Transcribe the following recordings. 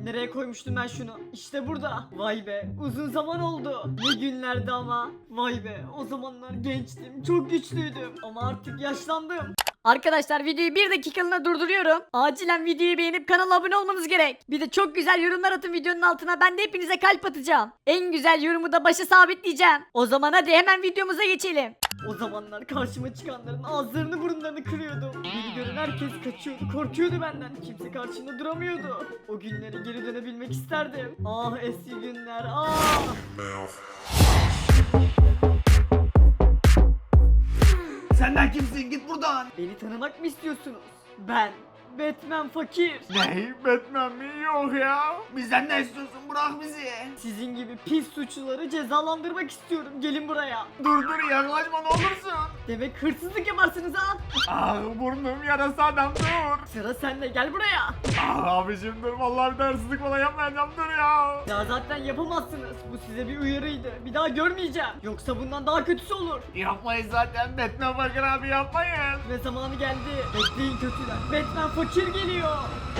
Nereye koymuştum ben şunu? İşte burada. Vay be, uzun zaman oldu. Ne günlerdi ama. Vay be, o zamanlar gençtim, çok güçlüydüm. Ama artık yaşlandım. Arkadaşlar videoyu bir dakikalığına durduruyorum. Acilen videoyu beğenip kanala abone olmanız gerek. Bir de çok güzel yorumlar atın videonun altına. Ben de hepinize kalp atacağım. En güzel yorumu da başa sabitleyeceğim. O zaman hadi hemen videomuza geçelim. O zamanlar karşıma çıkanların ağızlarını burunlarını kırıyordum. Beni gören herkes kaçıyordu, korkuyordu benden. Kimse karşımda duramıyordu. O günlere geri dönebilmek isterdim. Ah eski günler, ah! Senden kimsin? Git buradan. Beni tanımak mı istiyorsunuz? Ben Batman Fakir. Ne? Batman mi? Yok ya. Bizden ne istiyorsun? Bırak bizi. Sizin gibi pis suçluları cezalandırmak istiyorum. Gelin buraya. Dur yaklaşma ne olursun. Demek hırsızlık yaparsınız ha? Ah burnum yarası adam dur. Sıra sende, gel buraya. Ah abicim dur vallahi bir de hırsızlık falan yapmayacağım dur ya. Ya zaten yapamazsınız. Bu size bir uyarıydı. Bir daha görmeyeceğim. Yoksa bundan daha kötüsü olur. Yapmayız zaten Batman Fakir abi yapmayın. Ve zamanı geldi. Bekleyin kötüler. Batman Fakir geliyor.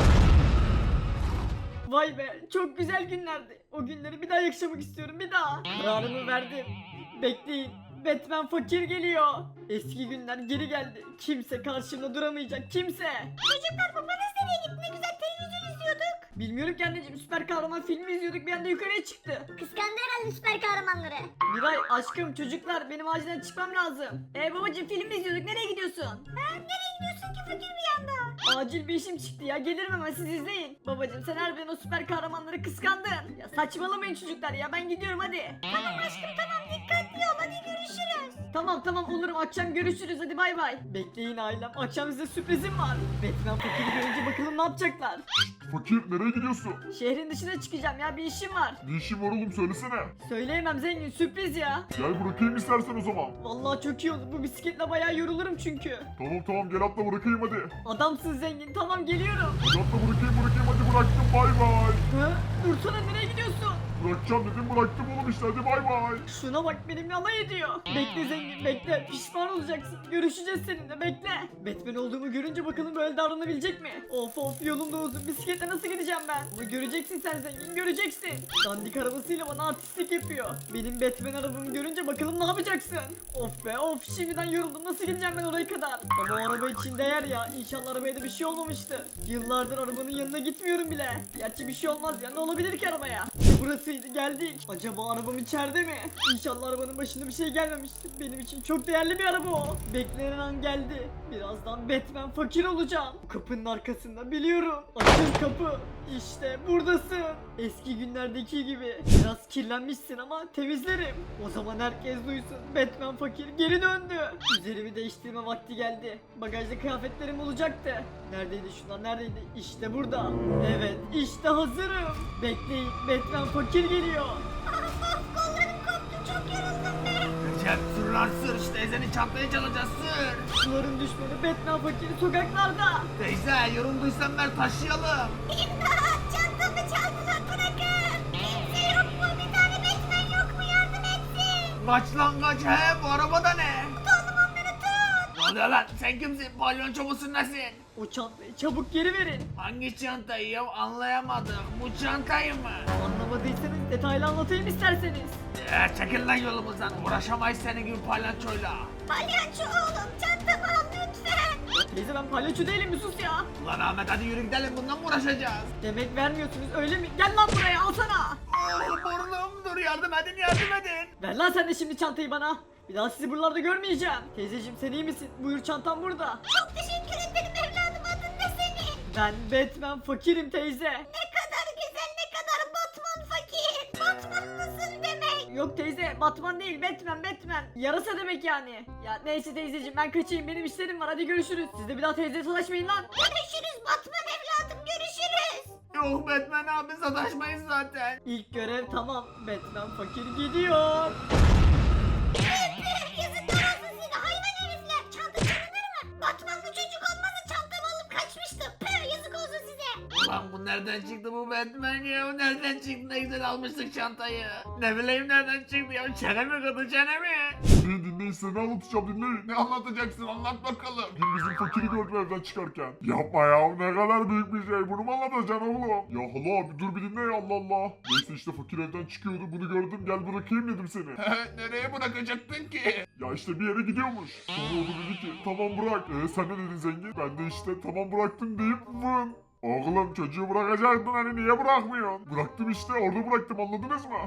Vay be, çok güzel günlerdi. O günleri bir daha yaşamak istiyorum, bir daha. Kararımı verdim. Bekleyin. Batman Fakir geliyor. Eski günler geri geldi. Kimse karşımda duramayacak, kimse. Çocuklar babanız nereye gitti? Ne güzel televizyon izliyorduk. Bilmiyorum ki anneciğim, süper kahraman filmi izliyorduk, bir anda yukarıya çıktı. Kıskandı herhalde süper kahramanları. Miray aşkım, çocuklar, benim acilen çıkmam lazım. Babacığım, film izliyorduk, nereye gidiyorsun? Ha, nereye gidiyorsun ki fakir bir anda? Acil bir işim çıktı ya, gelirim hemen, siz izleyin. Babacığım, sen harbiden o süper kahramanları kıskandın. Ya saçmalamayın çocuklar ya, ben gidiyorum hadi. Tamam aşkım tamam dikkatli ol hadi görüşürüz. Tamam olurum, akşam görüşürüz, hadi bay bay. Bekleyin ailem, akşam size sürprizim var. Batman Fakir'i görünce bakalım ne yapacaklar. Fakir nereye gidiyorsun? Şehrin dışına çıkacağım ya, bir işim var. Ne işin var oğlum söylesene. Söyleyemem zengin, sürpriz ya. Gel bırakayım istersen o zaman. Vallahi çok iyi olur, bu bisikletle bayağı yorulurum çünkü. Tamam gel atla bırakayım hadi. Adamsın zengin, tamam geliyorum. Hadi atla bırakayım hadi bıraktım bay bay. Hı? Dursana, nereye gidiyorsun? Bırakacağım dedim bıraktım oğlum işte hadi bay bay. Şuna bak, benimle alay ediyor. Bekle zengin, bekle, pişman olacaksın. Görüşeceğiz seninle, bekle. Batman olduğumu görünce bakalım böyle davranabilecek mi? Of yolum da uzun, bisikletle nasıl gideceğim ben? Ama göreceksin sen zengin, göreceksin. Dandik arabasıyla bana artistlik yapıyor. Benim Batman arabamı görünce bakalım ne yapacaksın? Of be of, şimdiden yoruldum, nasıl gideceğim ben oraya kadar? Ama o araba için değer ya, İnşallah arabaya da bir şey olmamıştı. Yıllardır arabanın yanına gitmiyorum bile. Gerçi bir şey olmaz ya, ne olabilir ki arabaya? Burasıydı, geldik. Acaba arabam içeride mi? İnşallah arabanın başına bir şey gelmemiştir. Benim için çok değerli bir araba o. Beklenen an geldi. Birazdan Batman Fakir olacağım. Bu kapının arkasında, biliyorum. Açıl kapı. İşte buradasın. Eski günlerdeki gibi. Biraz kirlenmişsin ama temizlerim. O zaman herkes duysun. Batman Fakir geri döndü. Üzerimi değiştirme vakti geldi. Bagajda kıyafetlerim olacaktı. Neredeydi şunlar, neredeydi? İşte burada. Evet, işte hazırım. Bekleyin, Batman Fakir geliyor. Kollarım koptu çok yoruldum be. Recep sür lan sür işte ezeni çantayı çalacağız sür. Suların düşmanı Batman Fakiri sokaklarda. Teyze yorulduysan ver taşıyalım. İmdat çantamı çaldılar bırakın. Kimse yok mu? Bir tane Batman yok mu? Yardım etsin. Kaç lan kaç he bu arabada ne? Tutalım onları tut. Ne oluyor lan sen kimsin palyonço musun nesin? O çantayı çabuk geri verin. Hangi çantayı ya anlayamadık bu çantayı mı? Anlamadıysanız detaylı anlatayım isterseniz. Çekil lan yolumuzdan uğraşamayız senin gibi palyaçoyla. Palyaço oğlum çantamı al lütfen. Teyze, ben palyaço değilim, bir sus ya. Ulan Ahmet hadi yürü gidelim bundan mı uğraşacağız? Demek vermiyorsunuz öyle mi? Gel lan buraya, alsana. Burnum dur yardım edin. Ver lan sen de şimdi çantayı bana. Bir daha sizi buralarda görmeyeceğim. Teyzeciğim, sen iyi misin? Buyur, çantam burada. Çok teşekkür ederim evladım adın ne senin? Ben Batman Fakirim teyze. Ne kadar güzel ne kadar Batman fakir. Batman mısın demek? Yok teyze, Batman değil, Batman. Yarasa demek yani. Ya neyse teyzeciğim, ben kaçayım, benim işlerim var, hadi görüşürüz. Siz de bir daha teyzeye sataşmayın lan. Görüşürüz Batman evladım görüşürüz. Yok Batman abi sataşmayız zaten. İlk görev tamam. Batman Fakir gidiyor. Yazıklar olsun size hayvan herifler. Çanta çalınır mı? Batmanlı çocuk olmasa çantamı alıp kaçmıştım. Püh yazık olsun size. Ulan bu nereden çıktı bu Batman ya? Nereden çıktı? Ne güzel almıştık çantayı. Ne bileyim nereden çıktı ya? Çene mi kırdı çene mi? Dinleyin size ne anlatacağım dinleyin. Ne anlatacaksın anlat bakalım. Dün bizim fakiri gördüm evden çıkarken. Yapma ya ne kadar büyük bir şey. Bunu mu anlatacaksın oğlum? Ya hala abi dur bir dinle ya Allah Allah. Neyse işte fakir evden çıkıyordu. Bunu gördüm gel bırakayım dedim seni. Nereye bırakacaktın ki? Ya işte bir yere gidiyormuş. Sonra o da dedi ki tamam bırak. Sen ne dedin zengin? Ben de işte tamam bıraktım deyip vın. Oğlum çocuğu bırakacaktın hani niye bırakmıyorsun? Bıraktım işte orada bıraktım anladınız mı?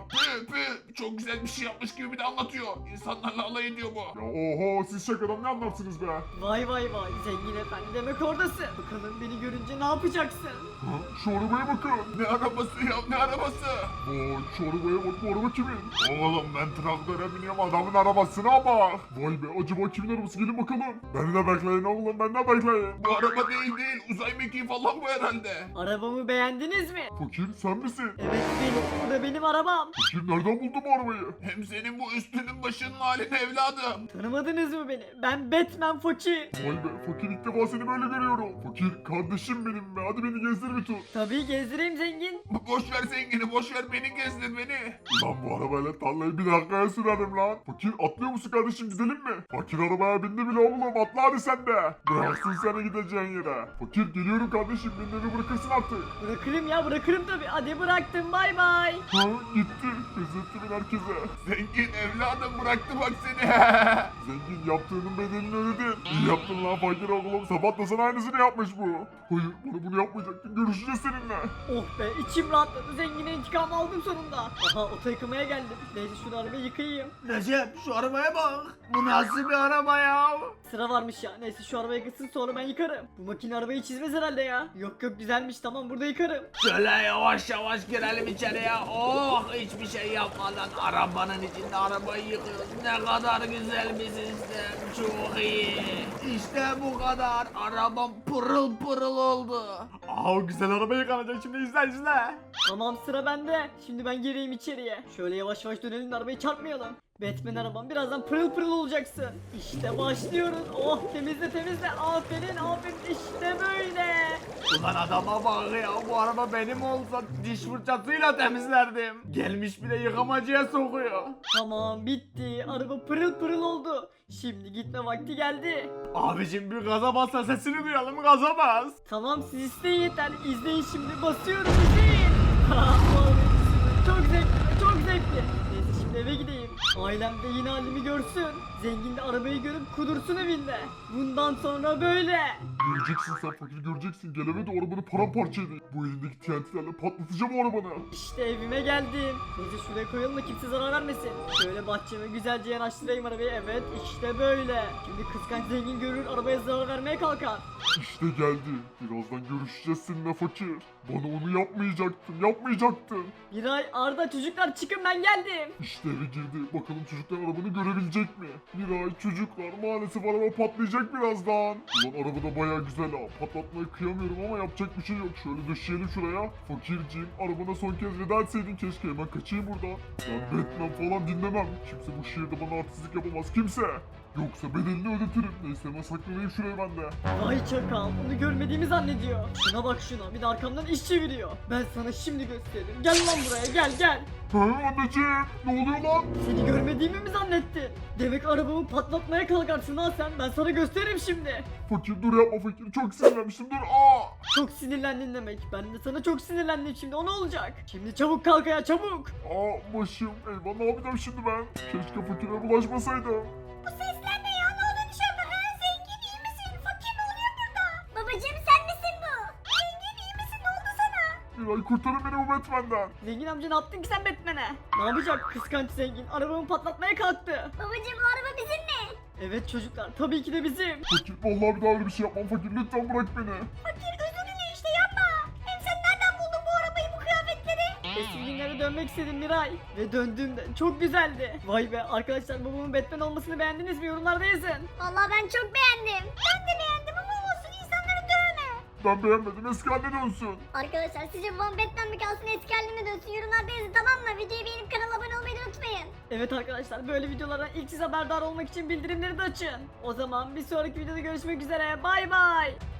Çok güzel bir şey yapmış gibi bir de anlatıyor. İnsanlarla alay ediyor bu. Ya oho siz şakadan ne anlarsınız be? Vay vay vay zengin efendi demek oradasın. Bakalım beni görünce ne yapacaksın? Ha, şu arabaya bakın. Ne arabası ya ne arabası? Vay şu arabaya bak bu araba kimin? Oğlum ben traktöre biniyorum adamın arabasına bak. Vay be acaba kimin arabası gelin bakalım. Beni de bekleyin oğlum beni de bekleyin. Bu araba değil uzay mekiği falan bu herhalde. Arabamı beğendiniz mi? Fakir sen misin? Evet benim. Bu da benim arabam. Fakir nereden buldun bu arabayı? Hem senin bu üstünün başının halini evladım. Tanımadınız mı beni? Ben Batman Fakir. Vay be fakir ilk defa seni böyle görüyorum. Fakir kardeşim benim be hadi beni gezdir bir tur. Tabii gezdireyim zengin. Boş ver zengini boş ver beni gezdir beni. Lan bu arabayla tarlayı bir dakikaya sürerim lan. Fakir atlıyor musun kardeşim gidelim mi? Fakir arabaya bindi bile oğlum atla hadi sen de. Bıraksın seni gideceğin yere. Fakir geliyorum kardeşim beni bırakırsın artık. Bırakırım ya bırakırım tabii. Hadi bıraktım bay bay. Ha gitti. Gözettimin herkese. Zengin evladım bıraktı bak seni. Zengin yaptığının bedelini ödedin. İyi yaptın lan fakir oğlum. Sabah da sana aynısını yapmış bu. Hayır bana bunu yapmayacaktın. Görüşeceğiz seninle. Oh be içim rahatladı. Zengine intikam aldım sonunda. Aha oto yıkamaya geldim. Neyse şunu arabayı yıkayayım. Recep şu arabaya bak. Bu nasıl bir araba ya? Sıra varmış ya. Neyse şu arabayı yıkasın sonra ben yıkarım. Bu makine arabayı çizmez herhalde ya. Yok yok güzelmiş tamam burada yıkarım. Şöyle yavaş yavaş girelim içeriye. Oh hiçbir şey yapmadan arabanın içinde arabayı yıkıyoruz. Ne kadar güzel bir sistem. Çok iyi. İşte bu kadar. Arabam pırıl pırıl oldu. Aa güzel araba yıkanacak şimdi izle. Tamam sıra bende. Şimdi ben gireyim içeriye. Şöyle yavaş yavaş dönelim de arabayı çarpmayalım. Batman arabam birazdan pırıl pırıl olacaksın. İşte başlıyoruz. Oh temizle temizle. Aferin aferin işte böyle. Ulan adama bak ya bu araba benim olsa diş fırçasıyla temizlerdim. Gelmiş bir de yıkamacıya sokuyor. Tamam bitti. Araba pırıl pırıl oldu. Şimdi gitme vakti geldi. Abicim bir gaza bas da sesini duyalım gaza bas. Tamam siz isteyin yeter. İzleyin şimdi basıyorum izleyin. Vallahi çok zevkli çok zevkli. Neyse şimdi eve gideyim. Ailem de yine halimi görsün. Zengin de arabayı görüp kudursun evinde. Bundan sonra böyle. Göreceksin sen fakir göreceksin. Geleme de arabanı paramparça edeyim. Bu elindeki TNT'lerle patlatacağım o arabanı. İşte evime geldim. Neyse şuraya koyalım da kimse zarar vermesin. Şöyle bahçeme güzelce yanaştırayım arabayı. Evet işte böyle. Şimdi kıskanç zengin görür arabaya zarar vermeye kalkar. İşte geldi. Birazdan görüşeceğiz seninle fakir. Bana onu yapmayacaktın. Miray, Arda çocuklar çıkın ben geldim. İşte eve girdi. Bakalım çocuklar arabanı görebilecek mi? Miray çocuklar maalesef araba patlayacak birazdan. Ulan araba da baya güzel ha. Patlatmayı kıyamıyorum ama yapacak bir şey yok. Şöyle döşeyelim şuraya. Fakirciğim arabana son kez veda etseydin keşke. Hemen kaçayım buradan. Ben Batman falan dinlemem. Kimse bu şehirde bana artistlik yapamaz. Kimse. Yoksa bedelini ödetirim. Neyse hemen saklanayım şuraya ben de. Vay çakal onu görmediğimi zannediyor. Şuna bak şuna bir de arkamdan iş çeviriyor. Ben sana şimdi gösteririm. Gel lan buraya gel. Hı anneciğim ne oluyor lan? Seni görmediğimi mi zannettin? Demek arabamı patlatmaya kalkarsın ha sen. Ben sana gösteririm şimdi. Fakir dur yapma fakir. Çok sinirlenmiştim dur. Aa! Çok sinirlendin demek. Ben de sana çok sinirlendim şimdi. O ne olacak? Şimdi çabuk kalk ayağa çabuk. Aa başım. Eyvah ne yapacağım şimdi ben? Keşke fakire bulaşmasaydım. Bu sesler ne ya? Ne oluyor dışarıda? Ha? Zengin iyi misin? Fakir ne oluyor burada? Babacım sen misin bu? Zengin iyi misin? Ne oldu sana? Miray kurtarın beni bu Batman'den. Zengin amca ne yaptın ki sen Batman'e? Ne yapacak kıskanç zengin? Arabamı patlatmaya kalktı. Babacım o araba bizim mi? Evet çocuklar tabii ki de bizim. Fakir vallahi bir daha öyle bir şey yapmam fakir. Lütfen bırak beni. Fakir özür dile işte yapma. Hem sen nereden buldun bu arabayı bu kıyafetleri? Eski günlere dönmek istedim Miray. Ve döndüğümde çok güzeldi. Vay be arkadaşlar babamın Batman olmasını beğendiniz mi? Yorumlarda yazın. Vallahi ben çok beğendim. Ben de beğendim ama olsun insanları dövme. Ben beğenmedim eski haline dönsün. Arkadaşlar sizce babam Batman mi kalsın eski haline dönsün yorumlarda yazın tamam mı? Videoyu beğenip kanala abone olmayı da unutmayın. Evet arkadaşlar böyle videolardan ilk siz haberdar olmak için bildirimleri de açın. O zaman bir sonraki videoda görüşmek üzere. Bay bay.